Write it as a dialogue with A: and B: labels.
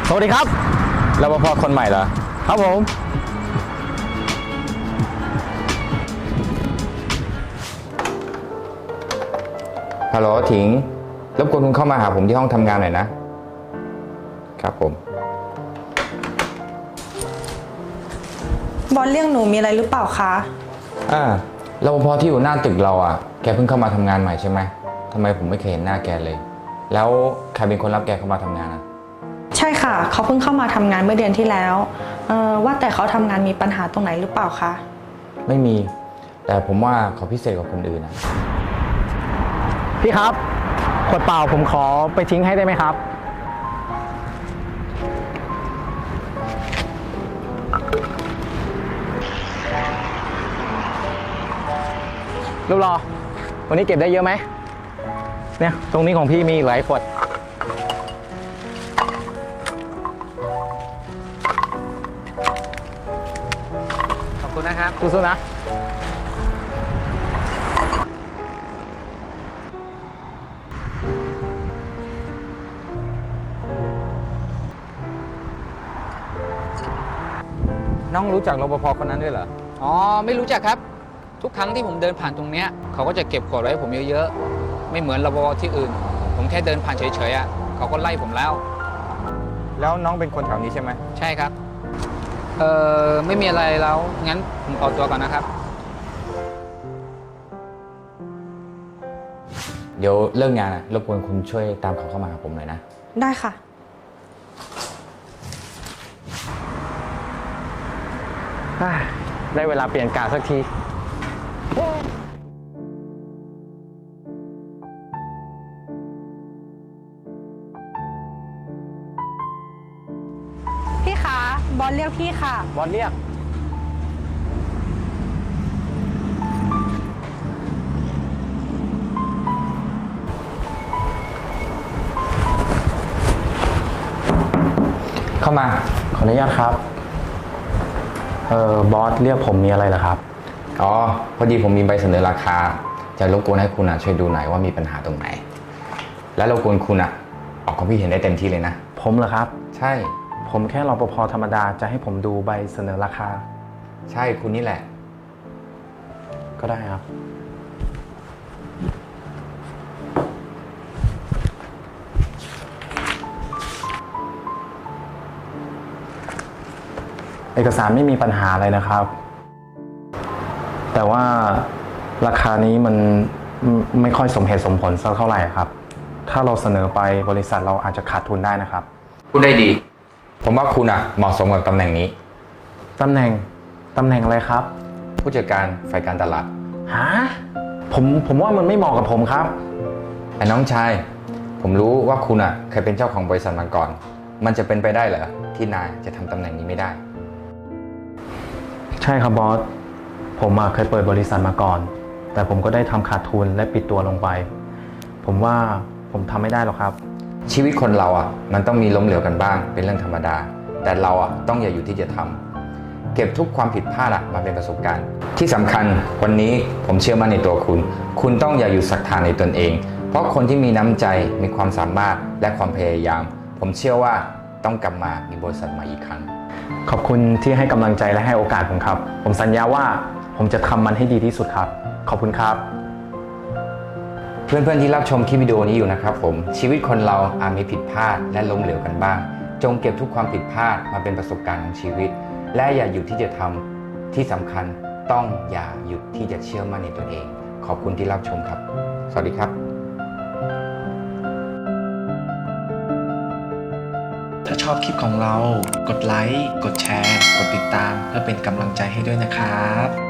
A: สวัสดีครับ
B: รปภคนใหม่เหรอ
A: ครับผม
B: ฮัลโหลถิงรบกวนคุณเข้ามาหาผมที่ห้องทำงานหน่อยนะครับผม
C: บอสเรียกหนูมีอะไรหรือเปล่าคะ
B: รปภที่อยู่หน้าตึกเราอ่ะแกเพิ่งเข้ามาทำงานใหม่ใช่ไหมทำไมผมไม่เคยเห็นหน้าแกเลยแล้วใครเป็นคนรับแกเข้ามาทำงานอ่ะ
C: ใช่ค่ะเขาเพิ่งเข้ามาทำงานเมื่อเดือนที่แล้วว่าแต่เขาทำงานมีปัญหาตรงไหนหรือเปล่าคะ
B: ไม่มีแต่ผมว่าเขาพิเศษกว่าคนอื่นนะ
A: พี่ครับขวดเปล่าผมขอไปทิ้งให้ได้ไหมครับรูปรอวันนี้เก็บได้เยอะไหมเนี่ยตรงนี้ของพี่มีหลายขวด
D: ขอบคุณนะครับ
A: สู้ๆนะ
B: น้องรู้จักรปภคนนั้นด้วยเหรอ
D: อ๋อไม่รู้จักครับทุกครั้งที่ผมเดินผ่านตรงเนี้ยเขาก็จะเก็บขวดไว้ให้ผมเยอะๆไม่เหมือนรปภที่อื่นผมแค่เดินผ่านเฉยๆอ่ะเขาก็ไล่ผมแล้ว
B: แล้วน้องเป็นคนแถวนี้ใช่ไหม
D: ใช่ครับไม่มีอะไรแล้วงั้นผมขอตัวก่อนนะครับ
B: เดี๋ยวเลิกงานรบกวนคุณช่วยตามเขาเข้ามาหาผมหน่อยนะ
C: ได้ค่ะ
A: ได้เวลาเปลี่ยนกาสักที
C: พี่คะบอสเรียกพี่ค่ะ
A: บอสเรียก
B: เข้ามา
A: ขออนุญาตครับบอสเรียกผมมีอะไรเหรอครับ
B: อ๋อพอดีผมมีใบเสนอราคาจะรบกวนให้คุณช่วยดูหน่อยว่ามีปัญหาตรงไหนและรบกวนคุณออกความคิดเห็นได้เต็มที่เลยนะ
A: ผมเหรอครับ
B: ใช่
A: ผมแค่รปภธรรมดาจะให้ผมดูใบเสนอราคา
B: ใช่คุณนี่แหละ
A: ก็ได้ครับเอกสารไม่มีปัญหาอะไรนะครับแต่ว่าราคานี้มันไม่ค่อยสมเหตุสมผลสักเท่าไหร่ครับถ้าเราเสนอไปบริษัทเราอาจจะขาดทุนได้นะครับ
B: พูดได้ดีผมว่าคุณเหมาะสมกับตำแหน่งนี้
A: ตำแหน่งอะไรครับ
B: ผู้จัดการฝ่ายการตลาด
A: ฮะผมว่ามันไม่เหมาะกับผมครับ
B: ไอ้น้องชายผมรู้ว่าคุณเคยเป็นเจ้าของบริษัทมาก่อนมันจะเป็นไปได้เหรอที่นายจะทำตำแหน่งนี้ไม่ได้
A: ใช่ครับบอสผมเคยเปิดบริษัทมาก่อนแต่ผมก็ได้ทำขาดทุนและปิดตัวลงไปผมว่าผมทำไม่ได้หรอกครับ
B: ชีวิตคนเรามันต้องมีล้มเหลวกันบ้างเป็นเรื่องธรรมดาแต่เราต้องอย่าอยู่ที่จะทำเก็บทุกความผิดพลาดมาเป็นประสบการณ์ที่สำคัญวันนี้ผมเชื่อมั่นในตัวคุณต้องอย่าหยุดศรัทธาในตนเองเพราะคนที่มีน้ำใจมีความสามารถและความพยายามผมเชื่อว่าต้องกลับมามีบริษัทใหม่อีกครั้ง
A: ขอบคุณที่ให้กำลังใจและให้โอกาสผมครับผมสัญญาว่าผมจะทำมันให้ดีที่สุดครับขอบคุณครับ
B: เพื่อนๆที่รับชมคลิปวิดีโอนี้อยู่นะครับผมชีวิตคนเราอาจมีผิดพลาดและล้มเหลวกันบ้างจงเก็บทุกความผิดพลาดมาเป็นประสบการณ์ของชีวิตและอย่าหยุดที่จะทำที่สำคัญต้องอย่าหยุดที่จะเชื่อมั่นในตัวเองขอบคุณที่รับชมครับสวัสดีครับ
A: ถ้าชอบคลิปของเรากดไลค์กดแชร์กดติดตามเพื่อเป็นกำลังใจให้ด้วยนะครับ